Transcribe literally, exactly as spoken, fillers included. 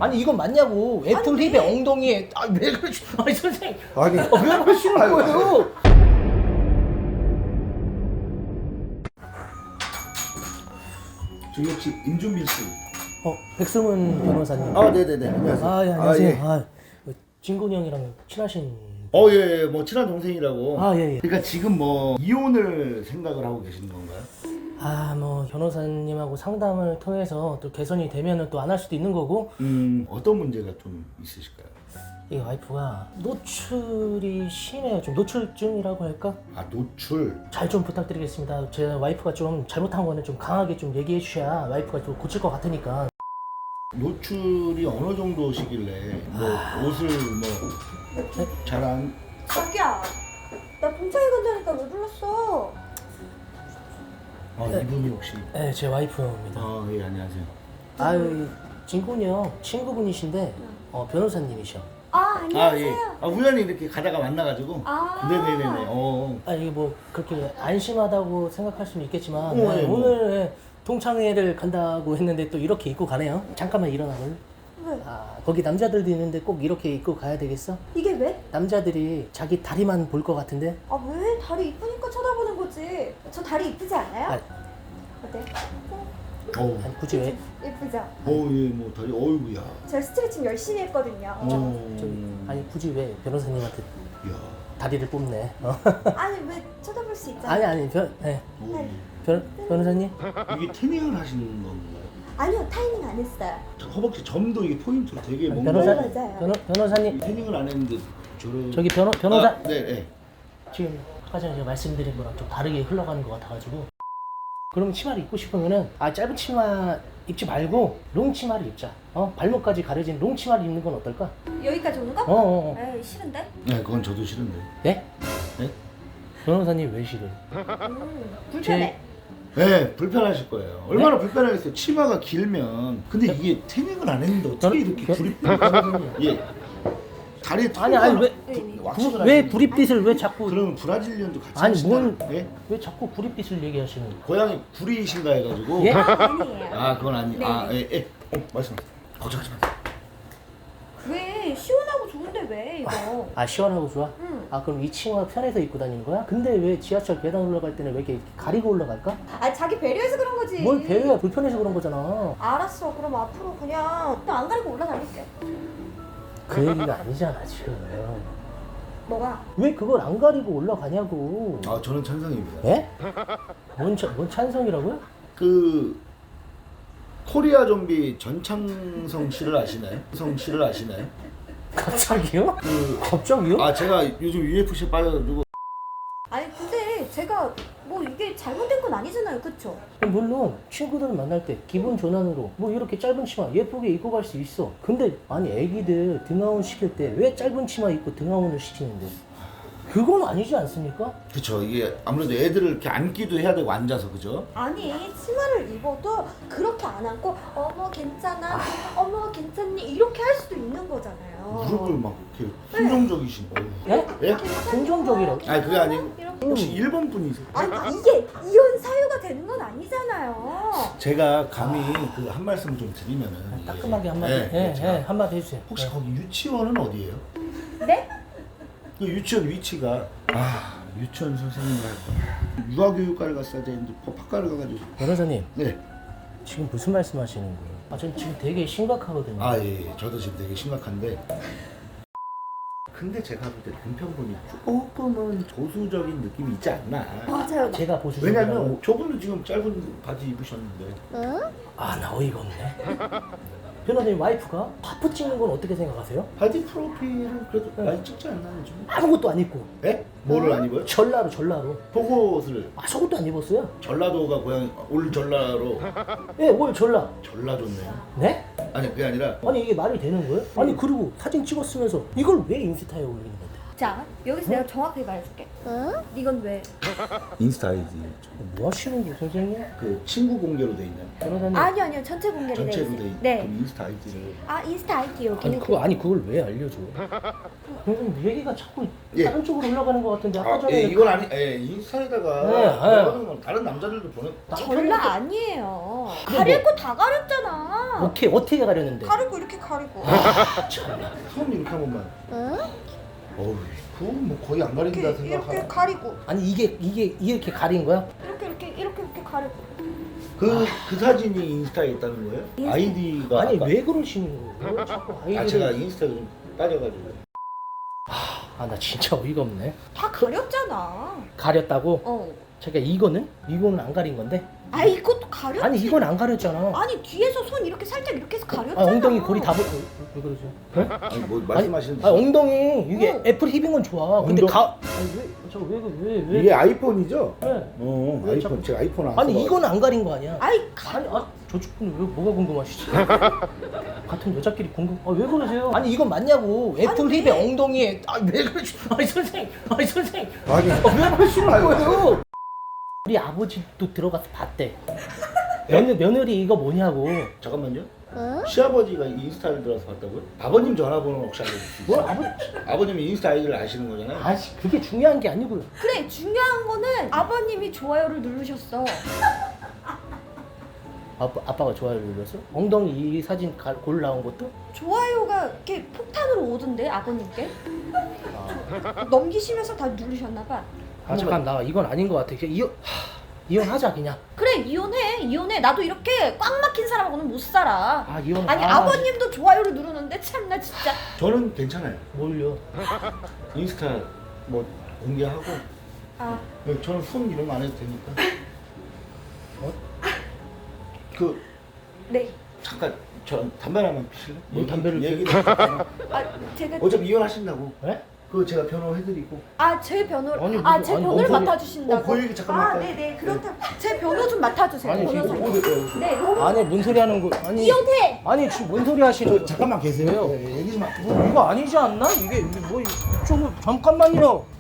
아니 이건 맞냐고. 애플 아니, 힙의 왜? 엉덩이에 아왜 그러시? 아니 선생님. 아니. 아, 왜 그러시는 아유, 거예요? 저기 혹시 임준빈 씨? 어 백승훈 변호사님. 아, 네네네. 안녕하세요. 아, 예, 안녕하세요. 아, 예. 아, 진곤이 형이랑 친하신. 어, 예, 예, 뭐 친한 동생이라고. 아, 예, 예. 그러니까 지금 뭐 이혼을 생각을 하고 계시는 건가요? 아, 뭐 변호사님하고 상담을 통해서 또 개선이 되면은 또 안 할 수도 있는 거고. 음, 어떤 문제가 좀 있으실까요? 이 와이프가 노출이 심해요. 좀 노출증이라고 할까? 아, 노출. 잘 좀 부탁드리겠습니다. 제 와이프가 좀 잘못한 거는 좀 강하게 좀 얘기해 주셔야 와이프가 좀 고칠 것 같으니까. 노출이 어느 정도시길래 뭐 옷을 뭐 잘안 자기야, 나 동창회 간다니까 왜 불렀어? 아, 이분이 혹시 네, 제 와이프입니다. 아, 예, 안녕하세요. 아유, 진곤이 형 친구분이신데 어, 변호사님이셔. 아, 아, 안녕하세요. 예. 아, 우연히 이렇게 가다가 만나가지고. 아. 네네네네. 어. 아 이게 뭐 그렇게 안심하다고 생각할 수는 있겠지만 어, 네, 예, 뭐. 오늘 예, 동창회를 간다고 했는데 또 이렇게 입고 가네요. 잠깐만 일어나볼. 왜? 아 거기 남자들도 있는데 꼭 이렇게 입고 가야 되겠어? 이게 왜? 남자들이 자기 다리만 볼 것 같은데? 아, 왜? 다리 이쁘니까 쳐다보는 거지. 저 다리 이쁘지 않아요? 아, 어때? 어우. 아니 굳이 왜? 예쁘죠? 어, 예, 뭐 다리 어이구야. 저 스트레칭 열심히 했거든요. 어. 저기, 아니 굳이 왜 변호사님한테 야. 다리를 뽑네? 어? 아니, 왜 쳐다볼 수 있잖아. 아니 아니 변, 네. 오. 변 변호사님? 이게 태닝을 하시는 건가요? 아니요, 타이밍 안 했어요. 저 허벅지 점도 이게 포인트로 되게 뭔가 변호사 맞아요. 변호, 변호사님 태닝을 안 했는데 저런 저기 변호 변호사 아, 네, 네. 지금 아까 전에 제가 말씀드린 거랑 좀 다르게 흘러가는 것 같아가지고 그러면 치마를 입고 싶으면은 아 짧은 치마 입지 말고 롱 치마를 입자. 어 발목까지 가려진 롱 치마를 입는 건 어떨까? 여기까지 오는 거? 어어 어, 어. 에이, 싫은데? 네, 그건 저도 싫은데. 네? 네? 변호사님 왜 싫어요? 음, 불편해. 네, 불편하실 거예요. 얼마나 불편하겠어요. 치마가 길면. 근데 이게 태닝을 안 했는데 어떻게 이렇게 변- 불이 변호사님. 예. 다리에 아니 아니 왜 네. 왁싱을 왜 하시는 구릿빛을 왜 자꾸 그러면 브라질리언도 같이 아니, 하시나요? 뭔- 예? 왜 자꾸 구릿빛을 얘기하시는 거예요? 고양이 구리이신가 해가지고 예? 아, 아니에요. 아 그건 아니 네. 아 예, 예. 어, 말씀하세요. 걱정하지 마세요. 왜? 시원하고 좋은데 왜 이거? 아 시원하고 좋아? 응. 아 그럼 이 치마 편해서 입고 다니는 거야? 근데 왜 지하철 계단 올라갈 때는 왜 이렇게 가리고 올라갈까? 아, 자기 배려해서 그런 거지. 뭘 배우야 불편해서 그런 거잖아. 알았어. 그럼 앞으로 그냥 또 안 가리고 올라다닐게. 그 얘기가 아니잖아 지금. 뭐가? 왜 그걸 안 가리고 올라가냐고. 아 저는 찬성입니다. 예? 뭔, 차, 뭔 찬성이라고요? 그 코리아 좀비 전창성 씨를 아시나요? 성 씨를 아시나요? 갑자기요? 그 갑자기요? 아 제가 요즘 유에프씨에 빠져가지고 아니 근데 제가 뭐 이게 잘못된 건 아니잖아요, 그쵸? 물론 친구들 만날 때 기분 전환으로 뭐 이렇게 짧은 치마 예쁘게 입고 갈 수 있어. 근데 아니 애기들 등하원 시킬 때 왜 짧은 치마 입고 등하원을 시키는데? 그건 아니지 않습니까? 그쵸 이게 아무래도 애들을 이렇게 앉기도 해야 되고 앉아서 그죠? 아니 치마를 입어도 그렇게 안 안고 어머 괜찮아, 어머 괜찮니 이렇게 할 수도 있는 거잖아요. 무릎을 막 이렇게 순종적이신 거예요. 예? 예? 긍정적이라고? 아니 그게 아니고 이렇게. 혹시 일본 분이세요? 아니 이게 이혼 사유가 되는 건 아니잖아요. 제가 감히 그 한 말씀 좀 드리면은 이게- 따끔하게 한마디, 예, 예, 예, 예, 제가 한마디 해주세요. 혹시 예. 거기 유치원은 어디예요? 네? 그 유치원 위치가 아 유치원 선생님을 할 거야. 유아교육과를 갔어야 되는데 법학과를 가가지고 변호사님 네. 지금 무슨 말씀하시는 거예요? 아, 전 지금 되게 심각하거든요. 아 예, 예. 저도 지금 되게 심각한데 근데 제가 볼 때 남편분이 조금은 보수적인 느낌이 있지 않나. 맞아요. 제가 보수적이라고. 왜냐면 저분도 지금 짧은 바지 입으셨는데 아, 나 어이가 없네. 변호사님 와이프가 파프 찍는 건 어떻게 생각하세요? 바디 프로필은 그래도 네. 많이 찍지 않나요 요즘? 아무것도 안 입고 예? 뭐를 안 입어요? 전라로 전라로. 속옷을 아, 속옷도 안 입었어요? 전라도가 고향 올 전라로 예, 올 전라. 전라도네요. 네? 아니 그게 아니라 아니 이게 말이 되는 거예요? 아니 그리고 사진 찍었으면서 이걸 왜 인스타에 올리는 건데? 자, 여기서 내가 정확하게 말해줄게. 이건 왜? 인스타 아이디 뭐 하시는 거 선생님? 그 친구 공개로 돼 있나요? 그러다니 아니요, 아니요. 전체 공개로 돼 전체로 있어요. 돼 있. 네. 그럼 인스타 아이디를 아, 인스타 아이디 여기. 아니 그거 아니 그걸 왜 알려줘? 선생님 얘기가 자꾸 예. 다른 쪽으로 올라가는 것 같은데 아까 아, 전에 예, 이건 아니, 예, 인스타에다가 네, 네. 들어가는 건 다른 남자들도 보내. 장난 아니에요. 그래, 가릴 뭐. 거 다 가렸잖아. 오케이 어떻게 가려는데? 가리고 이렇게 가리고. 손 이렇게 한 번만. 어우, 그건 뭐 거의 안 가린다 이렇게 이렇게 생각하나. 가리고. 아니 이게 이게 이렇게 가린 거야? 이렇게 이렇게 이렇게 이렇게 가리고. 그, 그 사진이 인스타에 있다는 거예요? 인스타. 아이디가 아니 아까- 왜 그러시는 거예요? 자꾸 아 아이디를 제가 인스타 좀 빠져가지고. 아 나 진짜 어이가 없네. 다 가렸잖아. 가렸다고? 어. 제가 이거는 이거는 안 가린 건데? 아, 이것도 가렸지. 아니 이건 안 가렸잖아. 아니, 뒤에서 손 이렇게 살짝 이렇게 해서 아, 가렸잖아. 엉덩이 고리 다 보. 왜, 왜 그러죠? 네? 아니 뭐 말씀하시는 아 엉덩이 이게 응. 애플 힙인 건 좋아. 근데 엉덩- 가 아니 왜저왜왜 왜? 이게 아이폰이죠? 네. 어 왜 아이폰 자꾸- 제가 아이폰 안 아니 써봐가지고. 이건 안 가린 거 아니야? 아이, 가... 아니 아 저쪽 분은 왜 뭐가 궁금하시지? 같은 여자끼리 궁금. 아 왜 그러세요? 아니 이건 맞냐고? 애플 아니, 힙의 왜? 엉덩이에 아왜 그러시? 아니 선생, 아니 선생, 아니 아, 왜 그러시는 아이고. 거예요? 우리 아버지도 들어가서 봤대. 며느, 며느리 이거 뭐냐고. 잠깐만요. 시아버지가 인스타를 들어서 봤다고요? 아버님 전화번호 혹시 알려줄 수 뭘 있어요? 아버지? 아버님이 인스타 아이디를 아시는 거잖아요. 아씨 그게 중요한 게 아니고요. 그래, 중요한 거는 아버님이 좋아요를 누르셨어. 아빠 아빠가 좋아요를 눌렀어? 엉덩이 이 사진 가, 골 나온 것도? 좋아요가 이렇게 폭탄으로 오던데, 아버님께? 아, 넘기시면서 다 누르셨나 봐. 아 잠깐 나 이건 아닌 것 같아. 그냥 이혼 하, 이혼하자 그냥. 그래, 이혼해. 이혼해. 나도 이렇게 꽉 막힌 사람하고는 못 살아. 아 이혼. 아니, 아, 아버님도 좋아요를 누르는데 참나 진짜. 저는 괜찮아요. 뭘요? 인스타 뭐 공개하고 아, 저는 손 이런 거 안 해도 되니까. 어? 그 네. 잠깐 저 담배 하나만 피실래? 뭘 담배를 얘기 피워? 아, 제가 어차피 이혼하신다고. 네? 그거 제가 변호해드리고. 아, 제 변호를 아니, 아, 무슨- 제 아니, 변호를 뭔 소리- 맡아주신다고. 어, 그 얘기 잠깐만 아, 할까요? 네, 네. 그렇다. 제 변호 좀 맡아주세요. 아니, 지금 변호사님. 어디 네. 아니 뭔 소리 하는 거? 아니 이혼해. 아니 지금 뭔 소리 하시는 저 거? 잠깐만 계세요. 왜요? 네, 얘기 좀 하. 뭐 이거 아니지 않나? 이게 이게 뭐 이쪽은 잠깐만요.